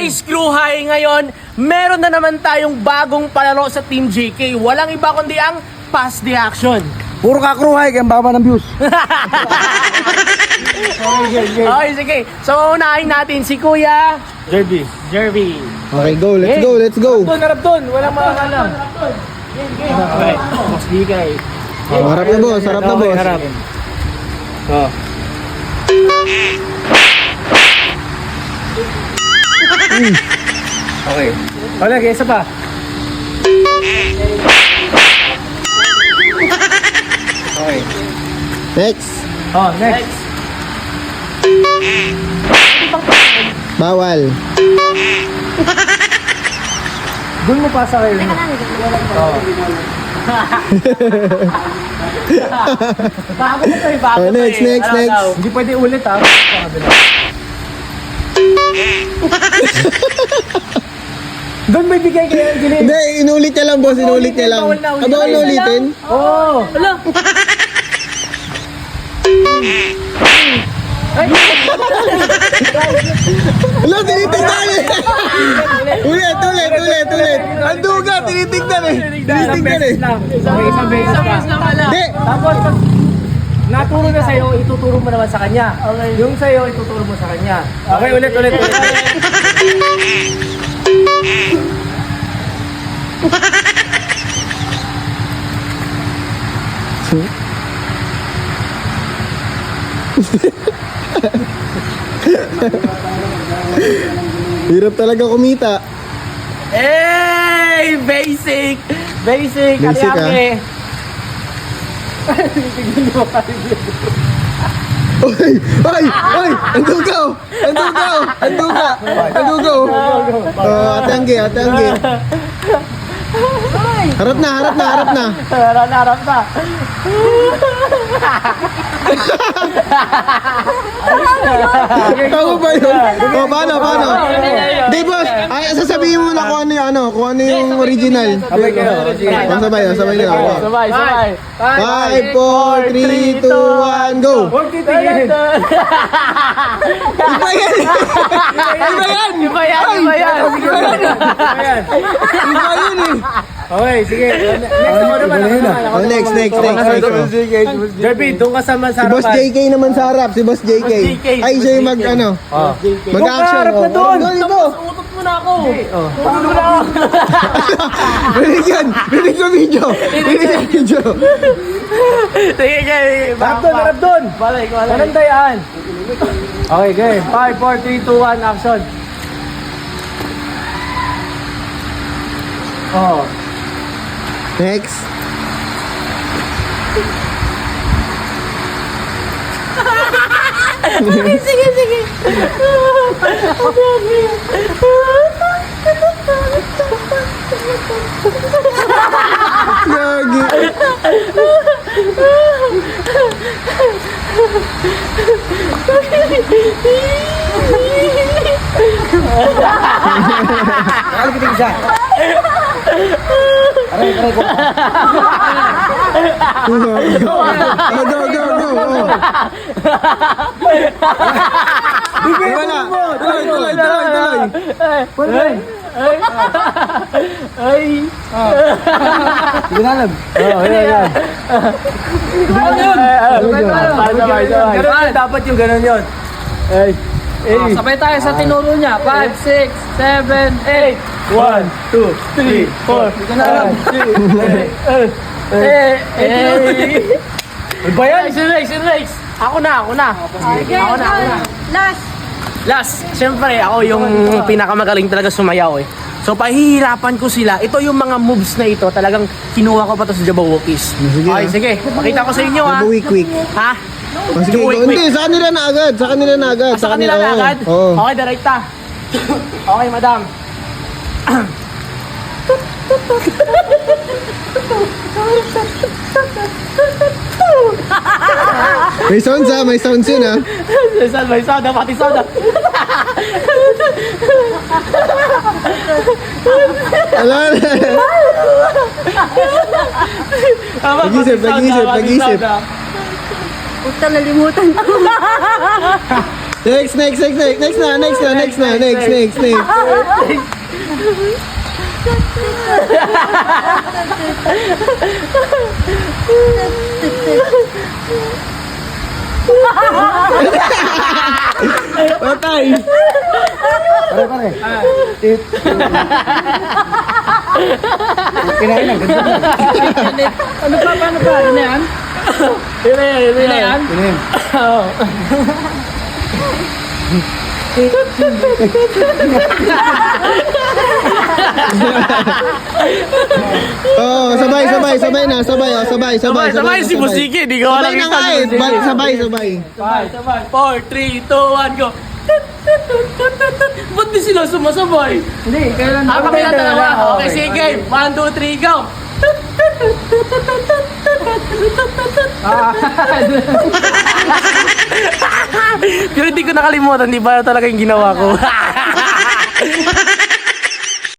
Guys, Crew High, ngayon, meron na naman tayong bagong palaro sa Team JK. Walang iba kundi ang Pass the Action. Puro ka Crew High, kaya baba ng views. Okay, sige. So, unahin natin si Kuya Jerby. Jerby. Okay, go. Let's go. Harap doon. Walang makakalam. Okay. Boss DK. Oh, harap na boss. Harap. Oh. Okay. Wala, kaya isa pa. Okay. Next. Oh, next. Bawal. Doon mo pasa kayo. Oh. Bago na to eh. Bago Oh, to next. eh. Ano daw? Hindi pwede ulit ha. Doon may bigay kayo gilid. Hindi, inulit niya lang boss. Inulit niya lang. Bawal na ulitin? Oo. Wala. Wala, tinitignan eh. Ulit. Ang duga, tinitignan eh. Tinitignan eh. Okay, isang beses pa. Hindi. Tapos pag naturo na sa'yo, ituturo mo naman sa kanya. Okay. Yung sa'yo, ituturo mo sa kanya. Okay, ulit. Hirap talaga kumita. Hey! Basic! Basic, Ariake. Ay! Ang duga oh! Ang duga oh! Ate Angge. Harap na. Harap na. Tama ba yun? O, paano? Di boss, ay, sasabihin mo na kung ano yung original. Sabay kayo. Sabay nila. Sabay. 5, 4, 3, 2, 1, go! Huwag titigil. Iba yan! Iba yan. Iba yun eh! Okay, sige. Next ako naman. Oh, next. Jerby, doon ka sa Si Boss masarapan. JK naman sa harap, si Boss JK. JK. Ay, siya yung mag-action. harap na doon. Dito. Utot mo na ako. Rinig ko video. Sige. Harap doon. Balik. Walang dayaan. Okay, game. 5, 4, 3, 2, 1, action. Oh. Next. Sige. Gagi. Nakakitig siya. Aray ko. Go. Oh. Wala. Tuloy. Ay. Ginalab. Sabay. Dapat yung ganun yun. Sabay tayo sa tinuro niya. 5, 6, 7, 8. 1, 2, 3, 4. Ba yan? Next. Ako na. Last, siyempre ako yung pinakamagaling talaga sumayaw eh. So pahihirapan ko sila. Ito yung mga moves na ito. Talagang kinuha ko pa to sa Jabawokis. Sige, Okay, sige. Pakita ko sa inyo ha. Quick. Ha? Sige, hindi. Sa kanila na agad. Sa kanila na agad? Oo. Okay, direkta. Okay, madam. May sounds yun ha. May soda, pati soda. Ala na. Nag-isip. Huwag ka nalimutan ko. Next na. Patay. Pare. Kinain lang. Ano pa? Paano pa? Ano na yan? Yun na yan. Kinain. Oo. Oh, sabay na. Sabay Si Musiki, di ko Sabay na nga eh. Sabay. 4, 3, 2, 1, go. Ba't di sila sumasabay? Hindi, kailan Kami na dalawa. Okay, sige. 1, 2, 3, go. Pero hindi ko nakalimutan, di ba talaga yung ginawa ko?